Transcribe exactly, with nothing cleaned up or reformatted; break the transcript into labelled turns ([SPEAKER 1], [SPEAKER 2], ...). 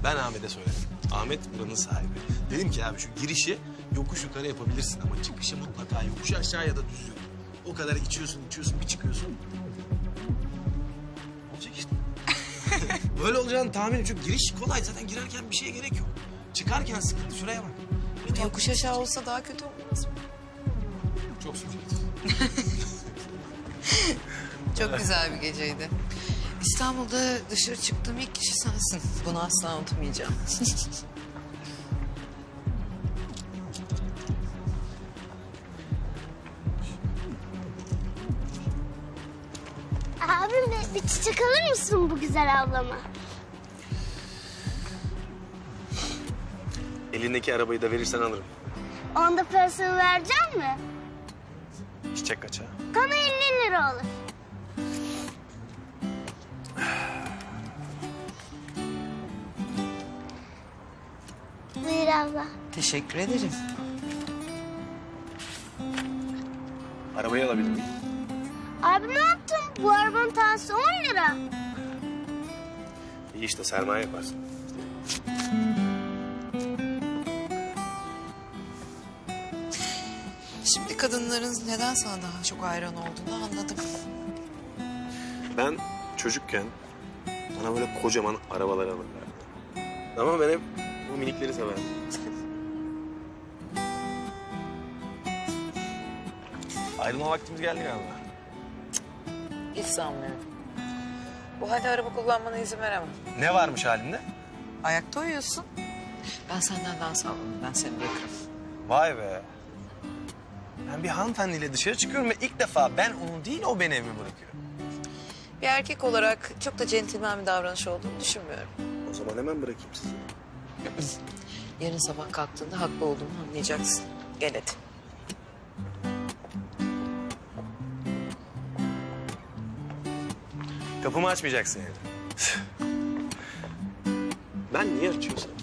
[SPEAKER 1] Ben Ahmet'e söyledim. Ahmet buranın sahibi. Dedim ki abi şu girişi yokuş yukarı yapabilirsin ama çıkışı mutlaka yokuş aşağı ya da düz yol. O kadar içiyorsun, içiyorsun, bir çıkıyorsun. Olacak işte. Böyle olacağını tahmin ediyorum. Çünkü giriş kolay. Zaten girerken bir şeye gerek yok. Çıkarken sıkıntı. Şuraya bak. Bir
[SPEAKER 2] Yokuş aşağı olsa daha kötü olmaz mı?
[SPEAKER 1] Çok subjektif.
[SPEAKER 2] Çok güzel bir geceydi. İstanbul'da dışarı çıktığım ilk kişi sensin. Bunu asla unutmayacağım.
[SPEAKER 3] Abim bir, bir çiçek alır mısın bu güzel ablama?
[SPEAKER 1] Elindeki arabayı da verirsen alırım.
[SPEAKER 3] Onda parasını verecek mi?
[SPEAKER 1] Çiçek kaça?
[SPEAKER 3] Bana elli lira olur. Buyur abla.
[SPEAKER 2] Teşekkür ederim.
[SPEAKER 1] Arabayı alabilir miyim?
[SPEAKER 3] Abi ne yaptın? Bu arabanın tanesi on lira.
[SPEAKER 1] İyi işte sermaye yaparsın.
[SPEAKER 2] Şimdi kadınların neden sana daha çok hayran olduğunu anladım.
[SPEAKER 1] Ben çocukken bana böyle kocaman arabalar alırlardı. Ama ben hep bu minikleri severdim. Ayrılma vaktimiz geldi galiba.
[SPEAKER 2] Hiç sanmıyorum. Bu halde araba kullanmana izin veremem.
[SPEAKER 1] Ne varmış halinde?
[SPEAKER 2] Ayakta uyuyorsun. Ben senden daha sağlamım. Ben seni bırakırım.
[SPEAKER 1] Vay be. Ben bir hanımefendiyle dışarı çıkıyorum ve ilk defa ben onu değil o beni evime bırakıyor.
[SPEAKER 2] Bir erkek olarak çok da centilmen bir davranış olduğunu düşünmüyorum.
[SPEAKER 1] O zaman hemen bırakayım sizi.
[SPEAKER 2] Yarın sabah kalktığında haklı olduğumu anlayacaksın. Gel hadi.
[SPEAKER 1] Kapımı açmayacaksın yani. Ben niye açıyorsam?